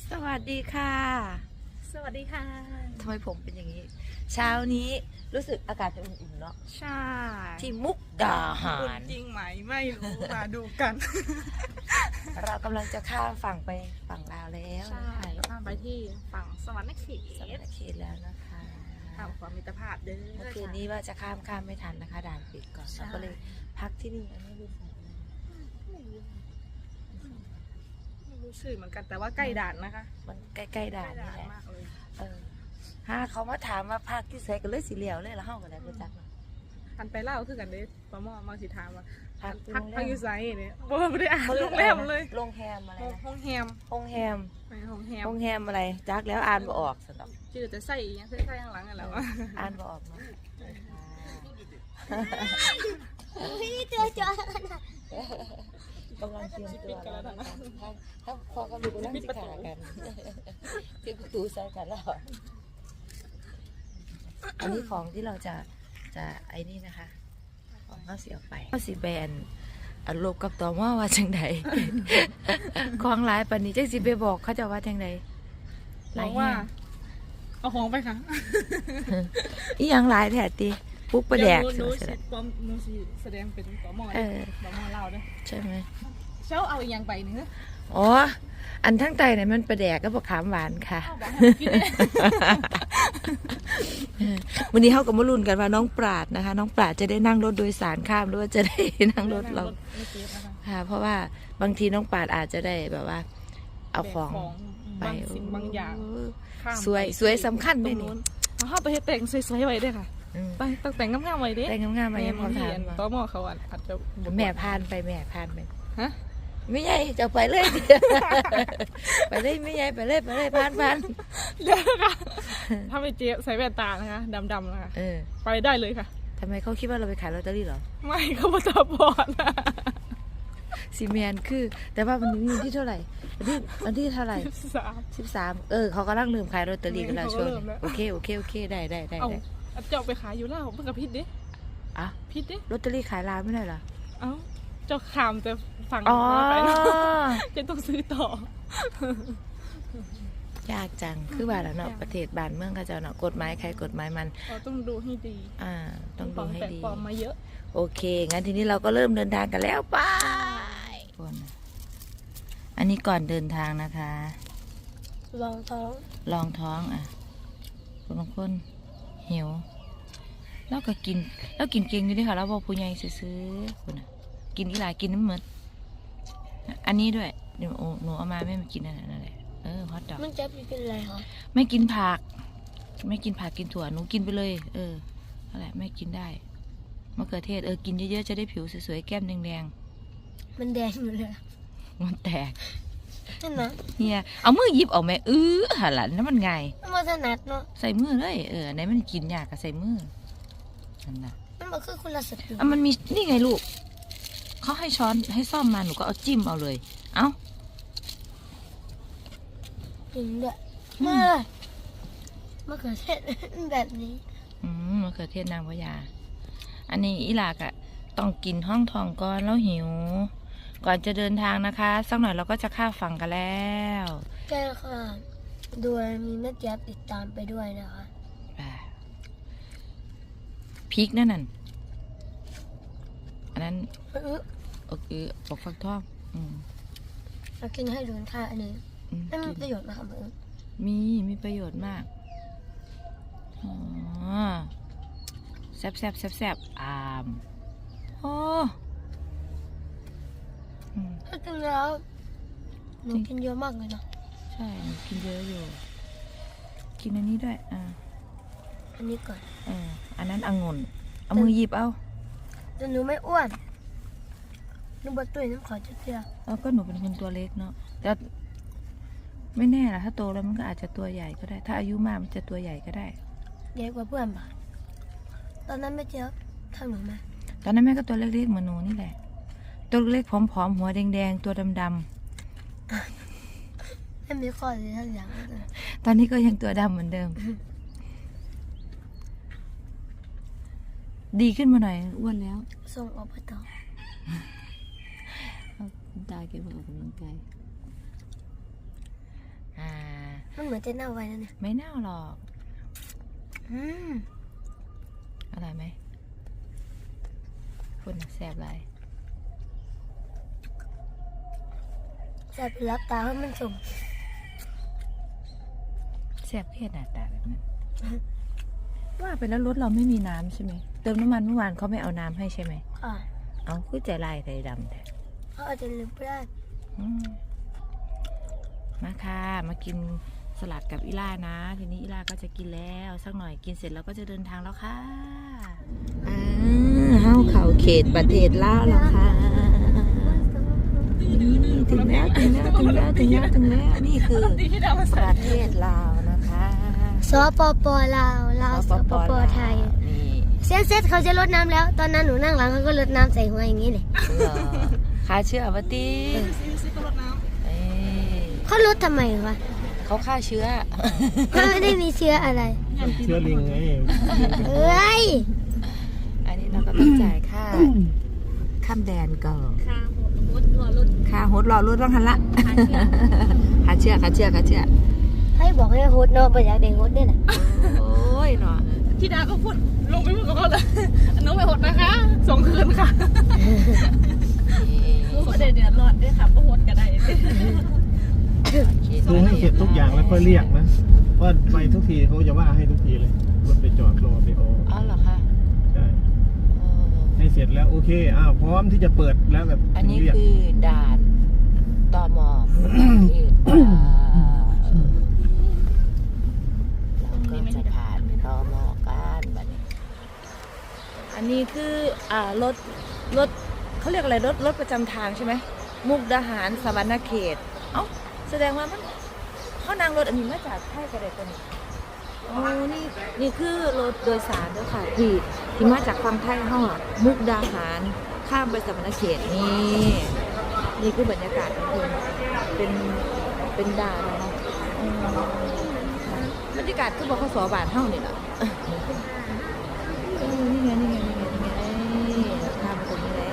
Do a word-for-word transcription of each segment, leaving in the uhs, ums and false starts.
สวัสดีค่ะสวัสดีค่ะทำไมผมเป็นอย่างนี้เช้านี้รู้สึกอากาศจะอุ่นๆเนาะใช่ที่มุกดาหาอุ่นรจริงไหมไม่รู้ มาดูกันเรากำลังจะข้ามฝั่งไปฝั่งลาวแล้วใช่ข้ามไปที่ฝั่งสวรรค์เขตสวรรค์เขตแล้วนะคะข้ามความมิตรภาพเด้อเมื่อคืนนี้ว่าจะข้ามข้ามไม่ทันนะคะด่านปิดก่อนเราก็เลยพักที่นี่อันนี้รู้สึกไม่รู้ชื่อเหมือนกันแต่ว่าใกล้ด่านนะคะมันใกล้ๆด่านใกล้นี่แหละมากเลยเออถ้าเขามาถามว่าภาคที่ใส่กันเลยสีเหลียวเลยแล้วเฮากันได้รู้จักเนาะทันไปเล่าคือกันเด้ปะหมอมาสิถามว่าพักพักโรงแรพักมอยู่ไซเนี่ยบ่ไม่ได้อ่านเขาเรีโรยกงแรมเลยโรงแรมอะไรนะห้องแฮมโรงแรมไปห้องแฮมโรงแรมอะไรจักแล้วอ่านบ่ออกสนอกชื่อจะใส่อีกยังใส่ใส่ข้างหลังกันแล้วอ่านบ่ออกเนาะพี่เจอจอกำลังเตรียมตัวแล้วนะคะถ้าถ้าพอกำลังนั่งสิขากันปิดประตูใส่กันแล้วอันนี้ของที่เราจะจะไอ้นี่นะคะของข้าวสีออกไปข้าวสีแบนอารมณ์กับต่อว่าว่าจังใดของหลายปันนี้จังสิไปบอกเขาจะว่าจังใดบอกว่าเอาของไปค่ะอีหยังหลายแท้ติปุ๊กประแดกหนูเสร็สิจปอมหนูสิแสดงเป็นปอมอเออปอมอเล่าด้วยใช่ไหมเช้าเอาอีกอย่างไปเนื้ออ๋ออันทั้งใจเนี่ยมันประแดกก็บอกขามหวานค่ะเอาบอกให้กินเนี่ยวันนี้เขาก็มาลุ้นกันว่าน้องปราดนะคะ น้องปราดจะได้นั่งรถโดยสารข้ามหรือว่าจะได้นั่งรถเราไม่เก็บนะคะค่ะ เพราะว่าบางทีน้องปราดอาจจะได้แบบว่า เอาของแบกบางสิ่งบางอย่างข้ามสวยไปสวยสำคัญตเลรยงนี่นู้นเอาเข้าไปให้แต่งสวยๆไว้ด้วยค่ะอืมไปต้องแต่งงามๆไว้ดิแต่งงามๆมายังพอถามปมาอมอเขาอาจจะแม่พานไปแม่พานไปฮะไม่ใหญ่จะไปเลย ไปเลยไม่ใหญ่ไปเลยไปเลยพานพานเดี๋ยวนะคะถ้าไม่เจ๊ใส่แว่นตานะคะดำๆนะคะเออไปได้เลยค่ะทำไมเขาคิดว่าเราไปขายลอตเตอรี่เหรอไม่เขามาตาบอดนะซีเมนคือ แต่ว่ามันนี้วันที่เท่าไหร่วันที่วันที่เท่าไหร่สามสิบสามเออเขากำลังลืมขายลอตเตอรี่กันแล้วเขาช่วงเริ่มนี้แล้วโอเคโอเคโอเคได้ได้ได้เอาได้เอาเจ้าไปขายอยู่แล้วเพิ่งกับพิษดิอ่ะพิษดิลอตเตอรี่ขายลาวไม่ได้เหรอเอ้าเจ้าขามแต่ฝั่งอ๋อไปเนอะจะต้องซื้อต่อยากจังคือบ้านแล้วเนาะประเทศบ้านเมืองเขาเจ้าเนาะกฎหมายใครกฎหมายมันเราต้องดูให้ดีอ่าต้องดูให้แปลกดีปลอมมาเยอะโอเคงั้นทีนี้เราก็เริ่มเดินทางกันแล้วไปคนอันนี้ก่อนเดินทางนะคะลองท้องลองท้องอ่ะบางคนหิวแล้วก็กินแล้วกินเก่งอยู่ด้วยค่ะแล้วบอกผู้ใหญ่ซื้อๆคนน่ะกินอีหลายกินน้ำเหมือนอันนี้ด้วยเดี๋ยวหนูเอามาไม่มากินนั่นนั่นแหละเออฮอตดอกมันจะเป็นอะไรคะไม่กินผัก ไม่กินผักกินถั่วหนูกินไปเลย เออนั่นแหละไม่กินได้มะเขือเทศเออกินเยอะๆจะได้ผิวสวยๆแก้มแดงมันแดงอยู่เลยๆมันแตกนั่นนะเฮียเอามือหยิบออกไหมเออหันหลังนั่นมันไงมันมาถนัดเนาะใส่มือเลยเอออันไหนมันกินยากก็ใส่มือนั่นนะมันบอกคือคนละสติอ่ะมันมีนี่ไงลูกเขาให้ช้อนให้ซ่อมมาหนูก็เอาจิ้มเอาเลย เอ้าจริงด้วยอืมมากมะเขือเทศ แบบนี้อืมมะเขือเทศนางพญาอันนี้อีหลากอะต้องกินห้องทองก่อนแล้วหิว ก่อนจะเดินทางนะคะสักหน่อยเราก็จะข้ามฝั่งกันแล้วแก้ค่ะโดยมีแม่เจี๊ยบติดตามไปด้วยนะคะอ่าพริกนั่นน่ะอันนั้นเออโอเคปอกฟักทองอืมเรากินให้ดูค่ะอันนี้อืมไม่มีกินประโยชน์นะคะเพื่อนมีมีประโยชน์มากอ๋อแซบแซบแซบแซบอามโอ้อืมถ้ากินแล้วหนูกินเยอะมากเลยเนาะใช่หนูกินเยอะอยู่ กินอันนี้ด้วยอ่าอันนี้ก่อนเอออันนั้นองุ่นเอามือหยิบเอาแต่หนูไม่อ้วนหนูบดตุ้ยน้ำขอจุดเดียวแล้วก็หนูเป็นคนตัวเล็กเนาะแต่ไม่แน่ล่ะถ้าโตแล้วมันก็อาจจะตัวใหญ่ก็ได้ ถ้าอายุมากมันจะตัวใหญ่ก็ได้ใหญ่กว่าเพื่อนปะตอนนั้นแม่เจี๊ยบทำหนูไหมตอนนั้นแม่ก็ตัวเล็กๆเหมือนหนูนี่แหละ ตัวเล็กๆผอมๆหัวแดงๆตัวดำไม่มีข้อเลยทั้งอย่างเลยๆตอนนี้ก็ยังตัวดำเหมือนเดิม ดีขึ้นมาหน่อยอ้วนแล้วส่งออกไปต่อคุณตาแกมาออกกำลังกายอ่ามันเหมือนจะเน่าไว้แล้วเนี่ยไม่เน่าหรอกอืมอร่อยไหมคุณน่ะแซ่บไรแสบรับตาเพราะมันสมแซ่บเพี้ยหน้าตาแบบนั้น ว่าไปแล้วรถเราไม่มีน้ำใช่ไหมเติมน้ำมันเมื่อวานเขาไม่เอาน้ำให้ใช่ไหมค่ะเอาคือใจลายใจดำแท้เขาอาจจะลืมไปได้อืมมาค่ะมากินสลัดกับอีล่านะ ทีนี้อีล่าก็จะกินแล้วสักหน่อยกินเสร็จแล้วก็จะเดินทางแล้วค่ะอ่าเฮาเขาเขตประเทศลาวแล้วค่ะนี่ถึงแล้วถึงแล้วถึงแล้วถึงแล้วถึงแล้วนี่คือดีที่ดาวมาปใส่ระเทศลาวนะคะสปปลาวลาวสปปไทยนี่เซตเซตเขาจะลดน้ำแล้ว ตอนนั้นหนูนั่งหลังเขาก็ลดน้ำใส่หัวอย่างนี้เลยเหรอคาเชื่อวะตีซื้อซื้อก็รดน้เอ้ยเขาลดทำไมวะเขาฆ่าเชื้อมันไม่ได้มีเชื้ออะไรเชื้อลิงไงเอ้ยอันนี้เราก็ต้องจ่ายค่าข้ามแดนก่อนำค่ะหมดรอรถค่าโฮสต์รอรถต้องหันละค่าเชื่อค่าเชื่อค่าเชื่อให้บอกให้โฮสต์เนาะไปอยากเด็กโฮสต์เนี่ยแหละโอ้ยเนาะที่ดาก็พูดลงไปพูดกับเขาเลยน้องไปหดนะคะส่งคืนค่ะรู้ประเด็นเดือดร้อนด้วยค่ะก็หดกันได้ดูให้เสร็จทุกอย่างแล้วค่อยเรียกนะเพราะไปทุกทีเขาจะว่าให้ทุกทีเลยรถไปจอดรอไปโออ๋อเหรอคะใช่เออให้เสร็จแล้วโอเคอ้าวพร้อมที่จะเปิดแล้วแบบอันนี้เรียกคือด่านตมประเทศลาวเราก็จะผ่านตมกันบัดนี้อันนี้คืออ่ารถรถเขาเรียกอะไรรถรถประจำทางใช่ไหมมุกดาหารสวรรณเขตเอ้าแสดงว่ามันเขานั่งรถอันนี้มาจากไทยกันเลยตัวนี้โอ้นี่นี่คือรถโดยสารด้วยค่ะที่ที่มาจากฝั่งไทยเขาอะมุกดาหารข้ามไปสวรรณเขตนี่นี่คือบรรยากาศของคุณเป็นเป็นด่านนะคะอืมบรรยากาศคือบอกเขาสอบานเท่านี่แหละเออนี่ไงนี่ไงนี่ไงนี่ไงข้ามไปตรงนี้แล้ว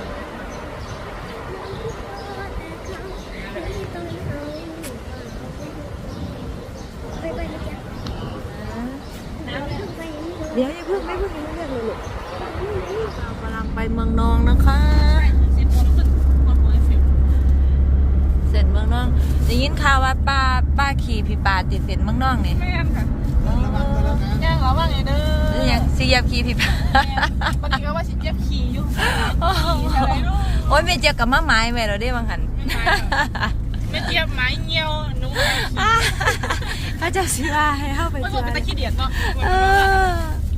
เดี๋ยวอย่าเพิ่งไม่เพิ่งยังไม่เรียกเลยลูกเรากำลังไปเมืองนองนะคะสิบโมงขึ้นคนหัวสิบเสร็จเมืองนองได้ยินข่าวว่าป้าป้าขี่พี่ปาติดเสร็จเมืองนองนี่แม่นค่ะย่างเหรอว่าไงเด้หรืออยังซียับขี่พี่ปาวันนี้ก็ว่าสิเจ็บขี่อยู่ขี่อะไรลูกโอ้ยไม่เจอกับมาไม้แม่เราได้บางหันไม่เจ็บไม้เงี้ยวหนูพระเจ้าสิว่าให้เข้าไปไม่เจว่าอเป็นตะขี้เดียดเนาะเออ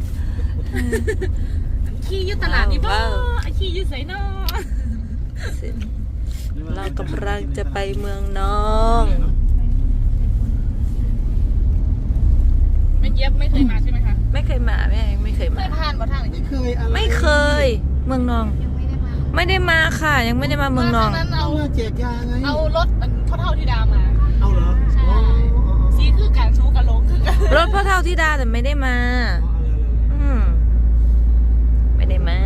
ขี้อยู่ตลาดนี่บ่ไอขี้อยู่ไสเนาะเรากำลังจะไปเมืองนองไม่เจ็บไม่เคยมาใช่ไหมคะไม่เคยมาแม่ไม่เคยเคมายผ่านบ่ทางนี้เคยอะไรไม่เคย เมืองนอง ไม่ได้มาค่ะ ยังไม่ได้มาเมืองนองนั้นเอาเอามาแจกยาไงเอารถมันเท่าเท่าที่ดามาเอาเหรอใช่อ๋ออ๋ออ๋อสีคือการชูกับลงคือกันรถพ่อเท่าที่ดาแต่ไม่ได้มา อืมไม่ได้มา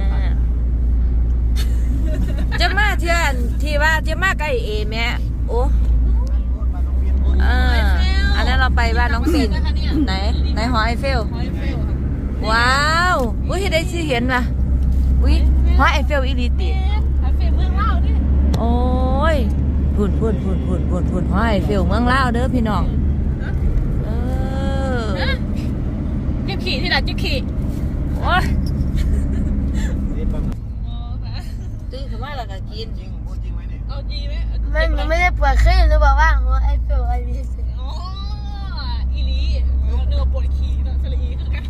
จะมาเที่ยนที่ว่าจะมาใกล้เอแม่โอ้เอออันนั้นเราไปบ้านน้องปิ่นไหนไหนหอไอเฟลหอยเฟลค่ะว้าวอุ้ยได้สิเห็นป่ะอุ้ยหอไอเฟลอีลิติหอยเฟลเมืองเล่าดิโอ้ยพุ่นพุ่นพุ่นพุ่นพุ่นพุ่นหอไอเฟลเมืองลาวเด้อพี่น้องเออเจ็บขี่ที่ไหนเจ็บขี่โอ้ยนี่ปะอ๋อค่ะตื่นขึ้นมาแล้วก็กินจริงพูดจริงไหมเนี่ยเอาจีไหมมันหนูไม่ได้ปวดขึ้นหนูบอกว่าหัวไอเฟลอะไรสิอ๋ออีลีเนื้อปวดขี่เนาะสลีคือกัน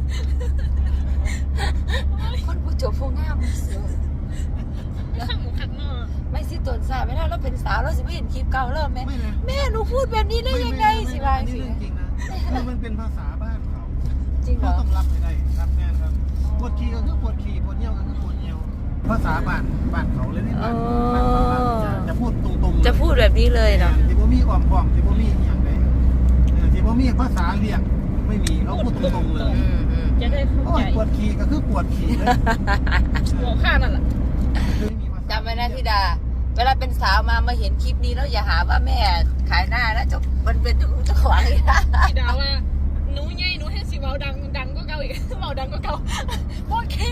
คนผู้จบผู้งามเสือข้างหมูขัดเนาะไม่สิตนสาวไม่ได้เราเป็นสาวเราสิไม่เห็นคลิปเก่าเริ่มไหมไม่นะแม่หนูพูดแบบนี้ได้ยังไงสิบายนี่สิเรื่องจริงนะคือมันเป็นภาษาบ้านเขาจริงเหรเขาอต้องรับให้ได้รับแน่นครับปวดขี่ก็คือปวดขี่ปวดเยี่ยวก็คือปวดเยี่ยวภาษาบ้านบ้านเขาเลยนี่บ้านบ้านเขาบ้านจะจะพูดตรงๆเลยจะพูดแบบนี้เลยเนาะที่บ่มีอ้อมค้อมที่บ่มีอย่างใดเออที่บ่มีภาษาเรียกไม่มีเขาพูดตรงๆเลยอืมอืมจะได้เข้าโอ้ใจยปวดขี่ก็คือปวดขี่เลยหัวข้านั่นแหละไม่มีภาษาจำไว้นะธิดา เวลาเป็นสาวมามาเห็นคลิปนี้แล้วอย่าหาว่าแม่ขายหน้านะเจ้ามันเป็นเจ้าของอีกนะบาดังก็เก่าโอเค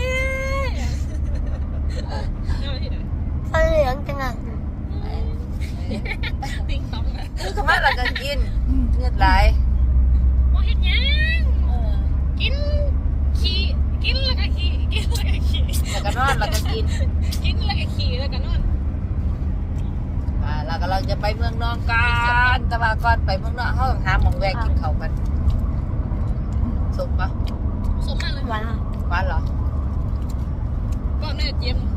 เอาที่ไหนฟันเหลืองจังอ่ะติ๊งต้องนะคือธรรมะเราก็กินเลือดไหลโมเห็นยังกินขี่กินแล้วก็ขี่กินแล้วก็ขี่แล้วก็นอนแล้วก็กินกินแล้วก็ขี่แล้วก็นอนอ่าเราก็เราจะไปเมืองนองกันแต่ว่าก่อนไปเมืองนอกเขาต้องหาหมองแวะกินเขาวกันสุกปะสมมากเลยหวานอ่ะหวานเหรอก่อนแม่เจียม